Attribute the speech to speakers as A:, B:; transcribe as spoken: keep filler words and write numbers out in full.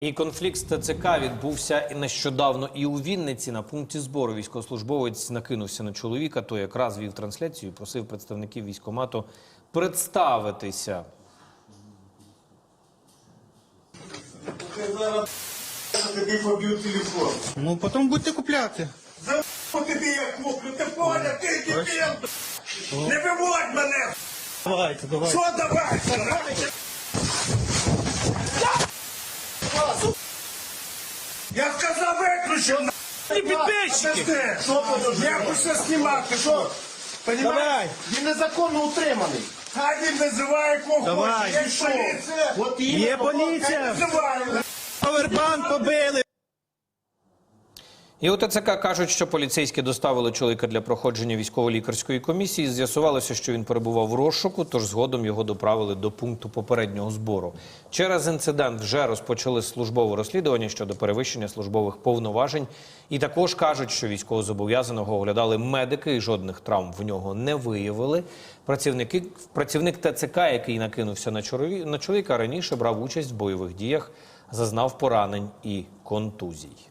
A: І конфлікт з ТЦК відбувся нещодавно і у Вінниці. На пункті збору військовослужбовець накинувся на чоловіка, той якраз вів трансляцію і просив представників військкомату представитися.
B: Я зараз тобі поб'ю телефон.
C: Ну, потім будете купляти.
B: За тобі я куплю, ти поняв, ти дебіл! Не виводь мене!
C: Давайте, давайте.
B: Що давайте? Я сказав, виключив, на!
C: Не підписчики!
B: Що подожди? Я хочу знімати, що? Понімаєш?
C: Давай.
B: Він незаконно утриманий. Хай він називає кого
C: Давай.
B: хоче. Є поліція. От
C: Є поліція.
B: Називає.
C: Повербанк побили.
A: І у ТЦК кажуть, що поліцейські доставили чоловіка для проходження військово-лікарської комісії. З'ясувалося, що він перебував в розшуку, тож згодом його доправили до пункту попереднього збору. Через інцидент вже розпочали службове розслідування щодо перевищення службових повноважень. І також кажуть, що військовозобов'язаного оглядали медики і жодних травм в нього не виявили. Працівники, працівник ТЦК, який накинувся на, чолові, на чоловіка, раніше брав участь в бойових діях, зазнав поранень і контузій.